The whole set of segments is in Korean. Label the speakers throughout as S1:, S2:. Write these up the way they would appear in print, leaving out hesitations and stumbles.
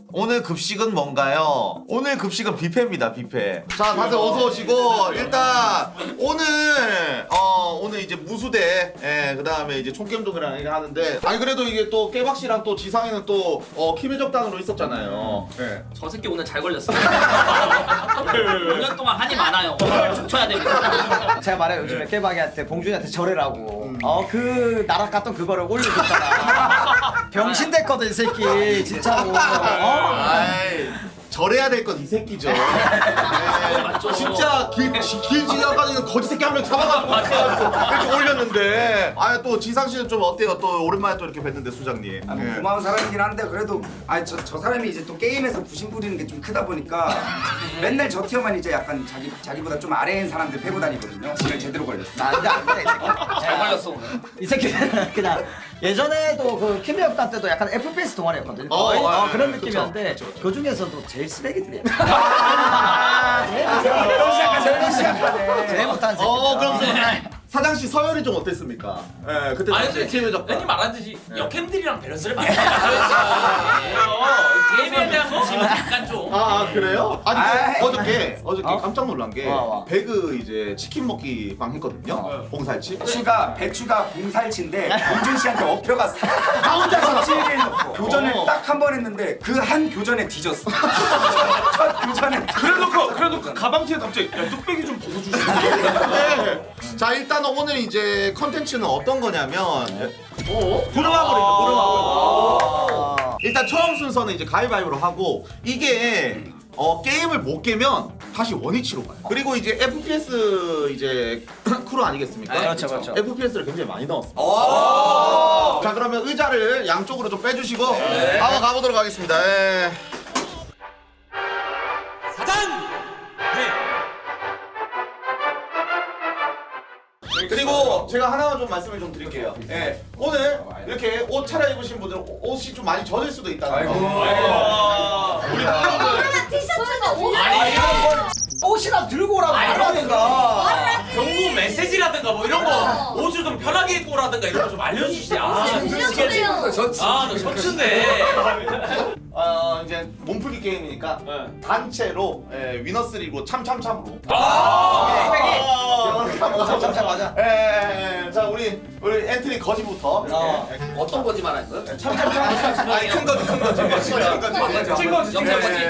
S1: 오늘 급식은 뭔가요? 오늘 급식은 뷔페입니다, 뷔페. 자, 다들 어서 오시고 일단 오늘 이제 무수대, 그다음에 이제 총겜동이랑 이렇게 하는데 아니 그래도 이게 또 깨박 씨랑 또 지상이는 또 키미적단으로 있었잖아요. 네.
S2: 저 새끼 오늘 잘 걸렸어. 5년 동안 한이 많아요. 오늘 춤춰야 됩니다.
S3: 제가 말해요 요즘에 깨박이한테 봉준이한테 절해라고. 그 나락 갔던 그거를 올려줬잖아. 병신 됐거든 이 새끼 진짜로.
S1: 아이, 절해야 될 건 이 새끼죠. 진짜 길 지나가는 거지 새끼 한 명 잡아가지고 이렇게 올렸는데. 아, 또 지상 씨는 좀 어때요? 또 오랜만에 또 이렇게 뵀는데 수장님.
S4: 아, 뭐 고마운 사람이긴 한데 그래도 저 사람이 이제 또 게임에서 부심 부리는 게 좀 크다 보니까 맨날 저 티어만 이제 약간 자기보다 좀 아래인 사람들 패고 다니거든요. 오늘 제대로 걸렸어.
S3: 안돼 안돼 이 새끼.
S2: 잘 걸렸어 오늘.
S3: 이 새끼는 그냥 예전에도 그 키미역단 때도 약간 FPS 동아리였거든요. 그런
S1: 그쵸,
S3: 느낌이었는데 그 중에서도 제일 쓰레기들이야. 제일 못한 새끼.
S1: 그럼 사장 씨 서열이 좀 어땠습니까? 예, 그때
S2: 아니
S1: 당시에
S2: 근데
S1: 키미적단.
S2: 괜히 말하듯이 역캠들이랑 밸런스를 맞춰야 게임에 대한 관심은 약간 좀.
S1: 그래요? 아니
S4: 아이.
S1: 어저께
S3: 어?
S1: 깜짝 놀란 게
S3: 와.
S1: 배그 이제 치킨 먹기 방 했거든요. 봉살치.
S4: 배추가 봉살치인데 봉준 씨한테 엎혀갔어. 나 혼자서 찌를 넣고 교전을 딱 한 번 했는데 그 한 교전에 뒤졌어. 첫 교전에.
S5: 그래놓고 가방 뒤에 갑자기 야 뚝배기 좀 벗어주시죠.
S1: 네. 자, 일단 오늘 이제 컨텐츠는 어떤 거냐면 부르마블입니다. 일단 처음 순서는 이제 가위바위보로 하고 이게 게임을 못 깨면 다시 원위치로 가요. 그리고 이제 FPS 이제 크루 아니겠습니까?
S3: 그렇죠, 그렇죠.
S1: FPS를 굉장히 많이 넣었어요. 자, 그러면 의자를 양쪽으로 좀 빼주시고 한번 가보도록 하겠습니다. 그리고 제가 하나만 좀 말씀을 좀 드릴게요. 오늘 이렇게 옷 차려입으신 분들은 옷이 좀 많이 젖을 수도 있다는 거. 우리
S6: 그러면 티셔츠가 옷을
S3: 옷이나 들고 오라고 말하든가.
S2: 경고 메시지라든가 뭐 이런 거 옷을 좀 편하게 입고 오라든가 이런 거 좀 알려주시지. 나 셔츠인데.
S1: 이제 몸풀기 게임이니까 단체로 위너스리고 참참참으로.
S3: 참참참 맞아.
S1: 자, 우리 엔트리 거지부터.
S2: 어떤 거지 말하는 거야?
S1: 참참참. 아니 큰 거지.
S2: 찐 거지. 영상 거지.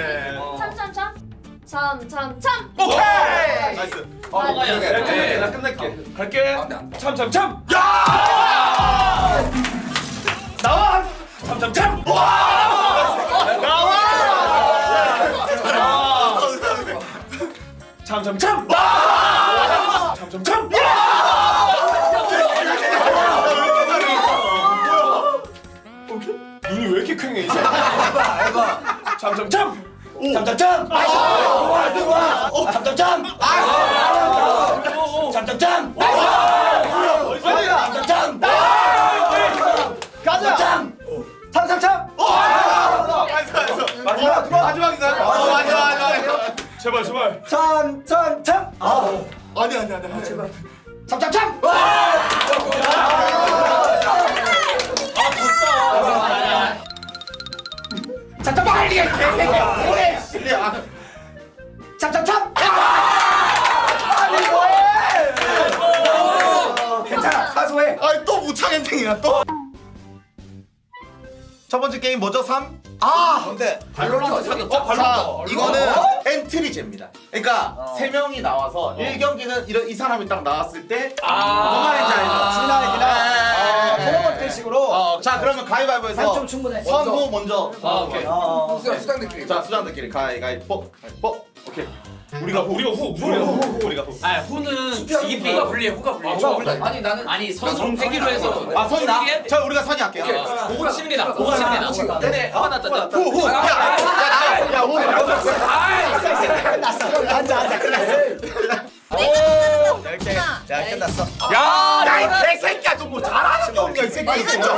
S6: 참참참.
S1: 오케이. 나이스.
S2: 먹어야
S5: 나 끝낼게. 갈게. 참참참.
S1: 나와.
S5: 참참참. 참참참. 참참참. 눈이 왜 이렇게 퀭해 이 사람? 참참참. 참참참. 참참참. 참참참. 참참참.
S3: 가자. 참참참.
S1: 마지막인가요? 마지막.
S5: 제발 제발.
S3: 참참참.
S1: 아니.
S3: 제발. 참참참. 참참 빨리 해 개새끼야. 오래. 참참참. 아니 뭐해?
S4: 괜찮아 사소해.
S1: 아니 또 무창 엔딩이야 또. 첫 번째 게임 뭐죠? 3? 근데
S2: 발로란트 사귀었죠?
S1: 자, 이거는 엔트리제입니다. 그러니까 세 명이 나와서 1경기는 이 사람이 딱 나왔을 때 뭔 말인지 알죠?
S3: 진화이기나 토너먼트 식으로.
S1: 자, 그러면 가위바위보에서
S3: 좀 충분해.
S1: 선호 먼저.
S2: 오케이.
S4: 수당들끼리.
S1: 자, 수장들끼리 가위바위보. 오케이. 우리가 후.
S2: 후는 지기 후가 불리해. 아니 나는 선 세기로 해서
S1: 선이 나? 자, 우리가 선이 할게요.
S2: 보고 치는 게 나. 보고 치는 게 나. 근데 화가 났다.
S1: 후. 야, 후.
S3: 끝났어. 앉아 끝났어. 이렇게. 자 끝났어.
S1: 야, 이 개새끼야, 너 뭐 잘하는 게 없냐, 이 새끼. 진짜.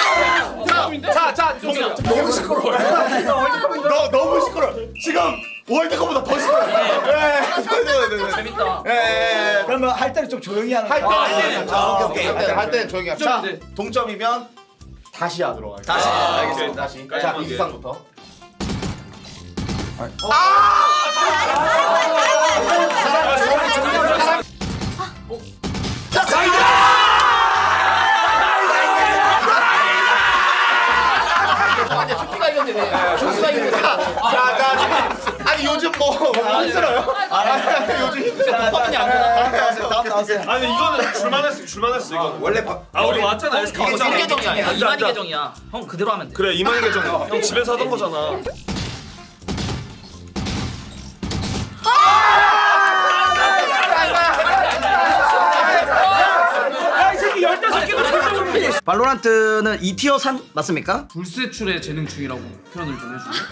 S1: 자,
S2: 너무 시끄러워.
S1: 너 너무 시끄러. 지금 월드컵보다 더 싫어요. 네.
S2: 재밌다.
S1: 예.
S3: 그러면 할 때는 좀 조용히 하는
S1: 할
S3: 거야.
S1: 때는
S3: 오케이.
S1: 할 때는 조용히 하자. 자,
S5: 네.
S1: 동점이면 다시 하도록 할게요.
S3: 다시.
S1: 알겠습니다. 다시. 자, 이기상부터.
S2: 아니 수피가 이겼네 왜? 조수가 이겼네.
S1: 아니 요즘 뭐 힘들어요? 요즘 힘들어요.
S2: 퍼핀이 안 되나?
S3: 다음 나왔어요.
S5: 아니 이거는 줄만했어 이거는.
S4: 원래
S5: 우리 왔잖아 SK.
S2: 이게
S5: 왔잖아.
S2: 계정이야.
S5: 앉아,
S2: 이만희
S5: 앉아.
S2: 계정이야. 형 그대로 하면 돼.
S5: 그래 이만희 계정. 형 집에서 하던 거잖아.
S3: 발로란트는 2티어 산 맞습니까?
S7: 불세출의 재능 중이라고 표현을 좀 해주세요.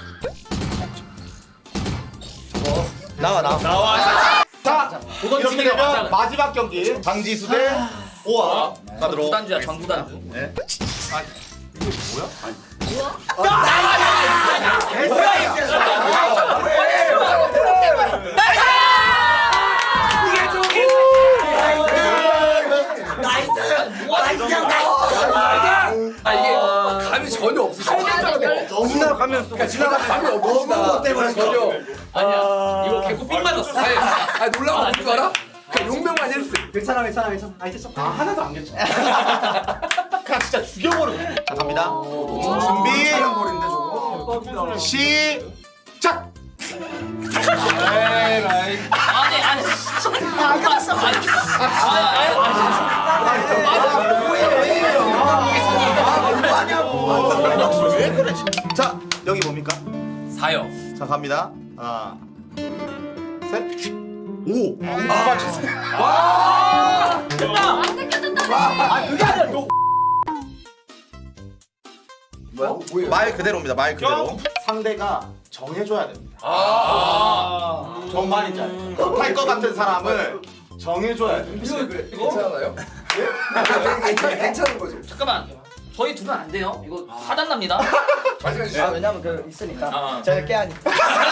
S3: 나와.
S1: 자, 이렇게 되면 마지막 경기 장지수 대 오아 가도록.
S2: 구단주야 전 구단주.
S1: 네.
S5: 아 이게 감이 전혀 없어.
S3: 지나가면
S5: 지나가면 감이 없어.
S3: 때문에 전혀.
S2: 아니야. 이거 개코 삥 맞았어.
S5: 아 놀라운 거뭔줄 알아? 그 용병만 했어.
S3: 괜찮아.
S1: 아, 하나도 안 괜찮아. 그냥 진짜 죽여버려. 자, 갑니다. 준비.
S4: 버린데 저거.
S1: 시작.
S2: 아니. 안 갔어.
S1: 왜 그래? 자, 여기 뭡니까?
S2: 사요.
S1: 자, 갑니다. 하나, 셋. 오. 맞췄어요.
S6: 안 느껴졌다며.
S1: 아, 그게 아니라 너. 말 그대로입니다. 말 그대로. 상대가 정해줘야 됩니다. 뭔 말인지 알죠? 못할 것 같은 사람을 정해줘야 됩니다.
S5: 괜찮아요? 괜찮은 거죠.
S2: 잠깐만. 저희 둘은 안 돼요. 이거 사단 납니다.
S3: 왜냐면 그 있으니까.
S2: 아.
S3: 저희가 깨하니까.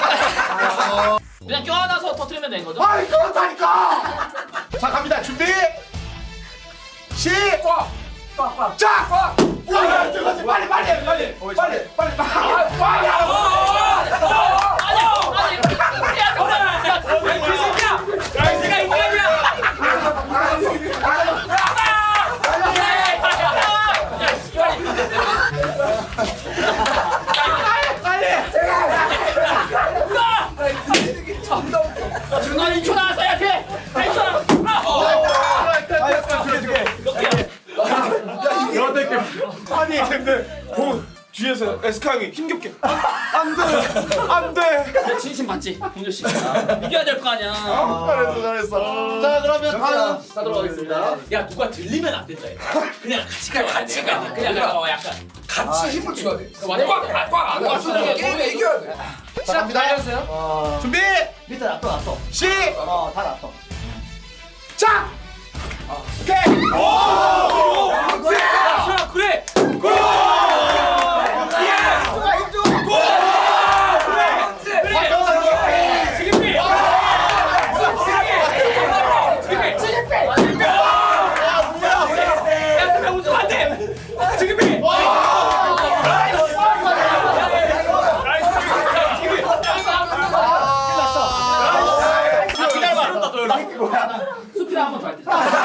S2: 그냥 껴안아서 터트리면 되는 거죠?
S1: 아, 그렇다니까. 자, 갑니다. 준비. 시작. 자. 와, 저거지. 빨리.
S2: 준환이 2초 나왔어야 돼. 8초.
S5: 아니 근데 보 뒤에서 에스카 형이 힘겹게 안돼.
S2: 내 진심 맞지? 공조 씨. 이겨야 될 거 아니야.
S1: 잘했어. 자, 그러면 다음
S2: 가도록 하겠습니다. 야 누가 들리면 안 된다. 그냥 같이 가. 그냥 약간.
S5: 같이 힘을 줘야 돼.
S2: 완전
S5: 꽉안 왔어. 게임에 이겨야 돼.
S1: 자, 갑니다. 준비.
S3: 밑에 놨어. 다 놨어.
S1: 시작. 오케이.
S2: 그래. 수피라 한번 더 할 때.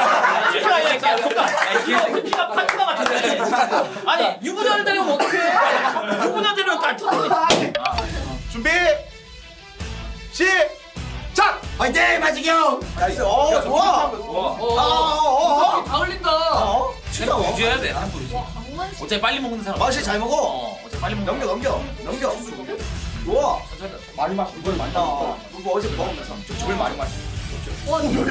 S2: 수피가 파트가 같은데. 아니 유부녀를 데려오면 어떡해? 유부녀 데려오면 깔끔해.
S1: 준비. 시작.
S3: 화이팅 마지경. 나이스. 좋아.
S2: 다 흘린다. 템포 유지해야 돼. 템포 유지.
S6: 강원씨.
S2: 어차피 빨리 먹는 사람.
S3: 맛이 잘 먹어.
S2: 어차피 빨리 먹는.
S3: 넘겨. 좋아. 많이 마셔. 물 많이 나. 그거 어제 먹으면서 물 많이 마셔.
S6: 와 누구야?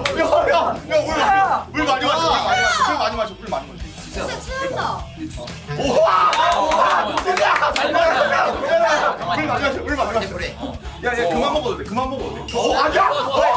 S1: 물 많이 마셔.
S6: 진짜 취한다.
S1: 물 많이 마셔. 야, 그만 먹어도 돼. 아니야.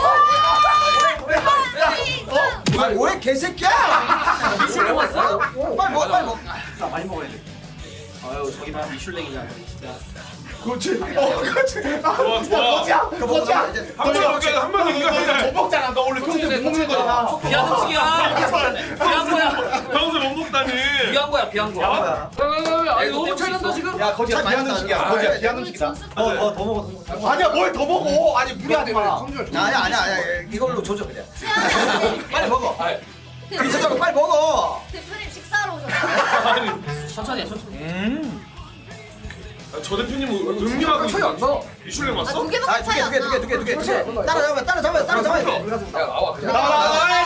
S3: 뭐해 개새끼야.
S2: 미술 먹었어?
S3: 빨리 먹어.
S2: 자 많이 먹어야 돼. 아유 저기 다 미슐랭이잖아 진짜.
S5: 그렇지.
S1: 그렇지.
S5: 좋아 좋아.
S1: 거지야.
S5: 한번 이기가
S1: 못 먹잖아. 너 원래 평소에 못 먹는 거잖아.
S2: 비한 음식이야. 비한 거야.
S5: 평소에 못 먹다니.
S2: 비한 거야. 비한 거야.
S7: 아니 너무 차이 난다 지금.
S1: 야 거지야 비한 음식이야. 거지야 비한 음식이다.
S3: 더 먹어.
S1: 아니야 뭘 더 먹어. 아니 무리하지 마.
S3: 아니야. 이걸로 조져 그냥.
S6: 최악이야.
S3: 빨리 먹어.
S6: 대표님,
S3: 이쪽으로 빨리 먹어.
S6: 대표님 식사하러 오셨어요.
S2: 천천히 해, 천천히.
S5: 저 대표님 음료하고 차이 안 나. 미슐랭
S6: 아,
S5: 왔어?
S6: 두 개밖에 차이 안 나.
S3: 두 개. 따라잡아야 돼.
S5: 야 나와 그냥.
S1: 나와.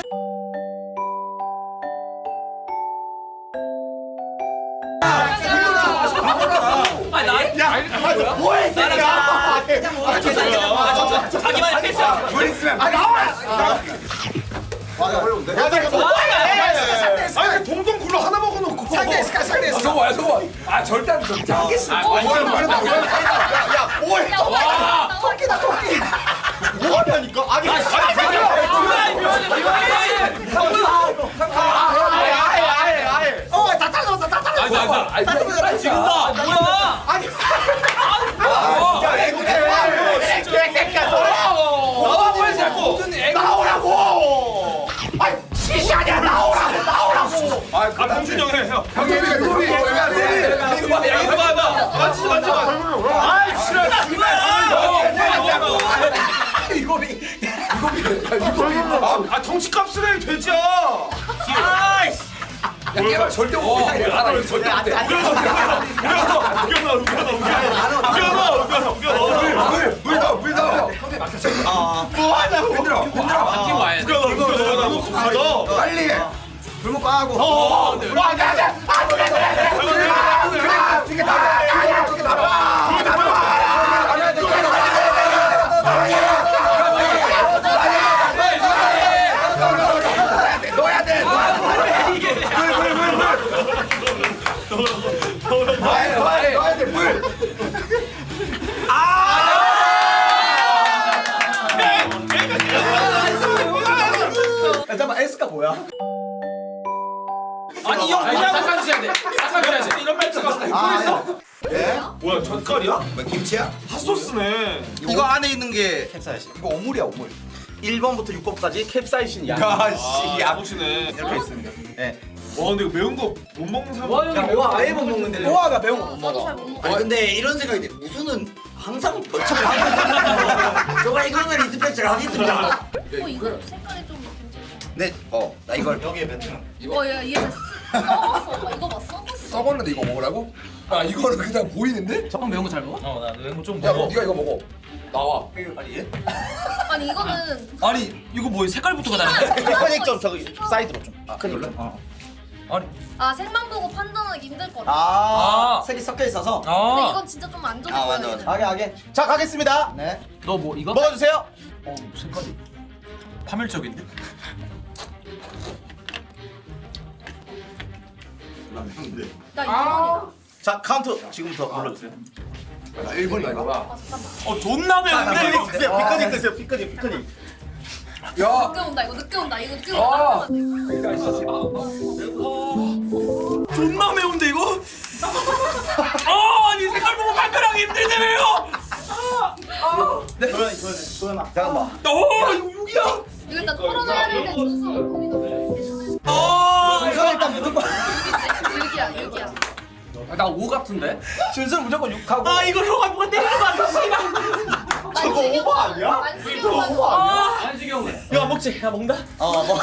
S2: 아니 나.
S1: 야, 뭐해 이 새끼야.
S2: 자기만의 패스야.
S1: 아 나와. 어려운데. 야 내가 뭐야?
S5: 아니 동동 굴러 하나 먹어놓고.
S3: 상대에서.
S5: 저거. 아 절대 안 줘.
S1: 야 뭐해?
S6: 나와.
S1: 뭐하냐니까? 아니 아예.
S3: 다 따라잡았다.
S2: 아니 지금다. 뭐야?
S1: 아니. 야 애국해. 개새끼야 나오라고. 아니 시시 아니야 나오라고.
S5: 아 봉준이 형 해. 형. 만지지 마.
S1: 아이 싫어.
S5: 아 덩치값을 해 돼지야. 아이씨. 야 깨발 절대 못 해. 알아 절대 못 해. 물 넣어.
S1: 뭐하냐고.
S2: 바뀌고 와야 돼.
S5: 가자.
S1: 빨리.
S3: 불목 까고.
S1: 가자.
S3: 잠깐만 S가 뭐야?
S2: 아니 형 그냥
S7: 닦아 주셔야 돼. 닦아 주셔야 돼.
S5: 이런 멘트가 뭐야 젓갈이야?
S1: 김치야?
S5: 핫소스네.
S1: 이거 안에 있는 게
S3: 캡사이신. 이거 오물이야 오물.
S1: 1번부터 6번까지 캡사이신이야.
S5: 아 야무시네.
S1: 이렇게 있습니다. 네.
S5: 와 근데 이거 매운 거 못 먹는 사람.
S2: 와 형이
S3: 오아 아예 못 먹는데. 오아가 매운 거 못
S6: 나도
S3: 먹어.
S6: 잘 못 먹어.
S8: 아니 근데 이런 생각이 돼. 무수는 항상 벌칙을 하고 있어. 저번에 이거는 리스펙트를 하겠습니다.
S6: 이거 색깔이 좀 괜찮아.
S8: 네, 나 이걸
S1: 여기에 뱉는.
S6: 야, 얘 썩었어. 이거 봐, 썩었어.
S9: 썩었는데 이거 먹으라고? 아 이거는 그냥 보이는데?
S7: 형 매운 거 잘 먹어?
S2: 어나 매운 거좀
S9: 야 그럼 네가 이거 먹어. 나와.
S6: 아니, 이거는
S2: 아니 이거 뭐 색깔부터가 다른데?
S1: 피커닉 좀 저기 사이드로 좀. 피커닉.
S6: 색만 보고 판단하기 힘들 거라.
S3: 아, 색이 섞여 있어서.
S6: 근데 이건 진짜 좀 안 좋아.
S8: 맞아.
S3: 하게.
S1: 자 가겠습니다.
S3: 네.
S7: 너 뭐 이거?
S1: 먹어주세요.
S7: 색깔이 파멸적인데?
S6: 나 2번이다.
S1: 자 카운트 지금부터 눌러주세요.
S9: 나 1번이다 이거.
S6: 아, 잠깐만.
S2: 존나
S1: 피커닉 드세요. 피커닉 드세요. 피커닉.
S9: 야.
S6: 늦게 온다, 이거 늦게 온다. 이거 늦게 온다.
S2: 존나 매운데 이거? 아니 색깔 보고 판별하기 힘들다며요?
S1: 도현아. 잠깐만.
S2: 이거 6이야?
S6: 이거 일단 털어놔야 되는데 무슨 거기다.
S3: 이거 일단 무조건.
S6: 6이야.
S7: 나 5 같은데?
S3: 준수는 무조건 6하고.
S2: 이거 형아 누가 때리는 거 같아 씨발.
S1: 저거 오버 아니야? 오버 아니야?
S7: 안지경은?
S2: 야 먹지 야 먹는다.
S3: 뭐.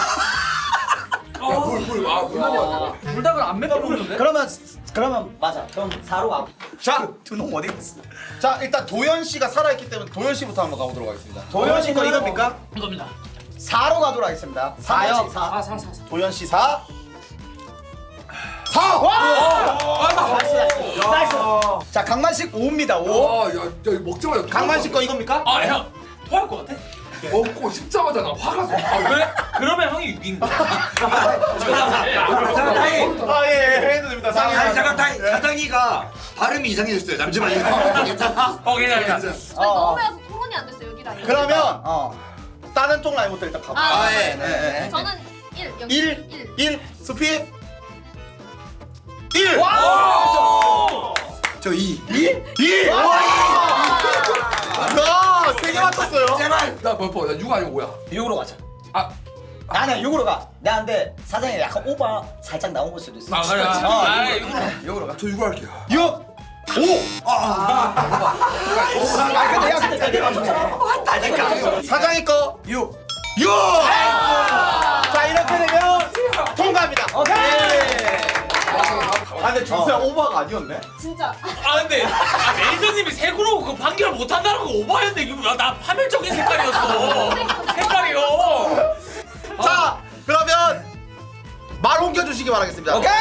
S9: 물 먹어.
S7: 불닭을 안 맵게 먹는데?
S3: 그러면 맞아. 그럼 4로 가고.
S1: 자,
S3: 두놈 어디 갔어?
S1: 자 일단 도현 씨가 살아있기 때문에 도현 씨부터 한번 가보도록 하겠습니다. 도현 씨 거 이겁니까?
S2: 이겁니다.
S3: 4로 가도록 하겠습니다. 4요. 4.
S7: 4.
S1: 도현 씨 4. 4. 와!
S3: 나이스. 자, 강만식 5입니다. 5.
S9: 야 이거 먹자마자
S1: 강만 씨 거 이겁니까?
S2: 형 토할 것 같아?
S9: 먹고 씹자마자 나 화가 나.
S2: 왜? 그러면 형이 6인 거야.
S8: 잠깐 다이.
S1: 예, 해도 됩니다. 상의.
S8: 아니 잠깐 다이. 사장이가 발음이 이상해졌어요. 잠시만요.
S2: 괜찮아.
S6: 너무 매워서 토론이 안 됐어, 여기랑.
S1: 그러면
S3: 어.
S1: 다른 쪽 라인부터 일단 가볼게요.
S6: 아,
S8: 예.
S3: 네.
S6: 저는 1, 여기
S1: 1. 1. 수피. 1.
S5: 저 2.
S1: 2! 와! 야, 3개 맞췄어요.
S5: 제발. 나몇 번? 나 6 아니고 5야.
S3: 6으로 가자.
S5: 아,
S3: 나는 6으로 가. 나 근데 사장이 약간 오바 살짝 나온 걸 수도 있어.
S7: 아 그래.
S3: 아, 6으로 가.
S5: 저 6 할게요.
S1: 6! 5!
S3: 근데 야 근데 4개 맞췄잖아.
S1: 사장이 거
S5: 6.
S1: 6! 자, 이렇게 되면 통과합니다.
S3: 오케이.
S1: 아, 근데 준수야 오버가 아니었네?
S6: 진짜.
S2: 아 근데 매니저님이 색으로 그 판결을 못한다는 거 오버였는데 이거 나 파멸적인 색깔이었어. 색깔이요.
S1: 자, 그러면 말 옮겨주시기 바라겠습니다.
S3: 오케이.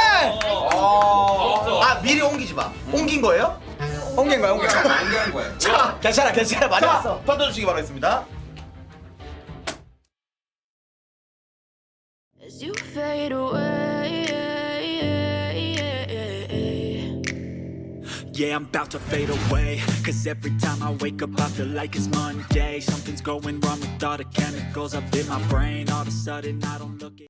S1: 아, 미리 옮기지 마. 옮긴 거예요?
S3: 옮긴 거야.
S4: 안되는 거예요.
S1: 자,
S3: 괜찮아 많이
S1: 자,
S3: 왔어.
S1: 던져주시기 바라겠습니다.
S10: As you fade away,
S11: yeah, I'm about to fade away. Cause every time I wake up I feel like it's Monday. Something's going wrong with all the chemicals up in my brain. All of a sudden I don't look at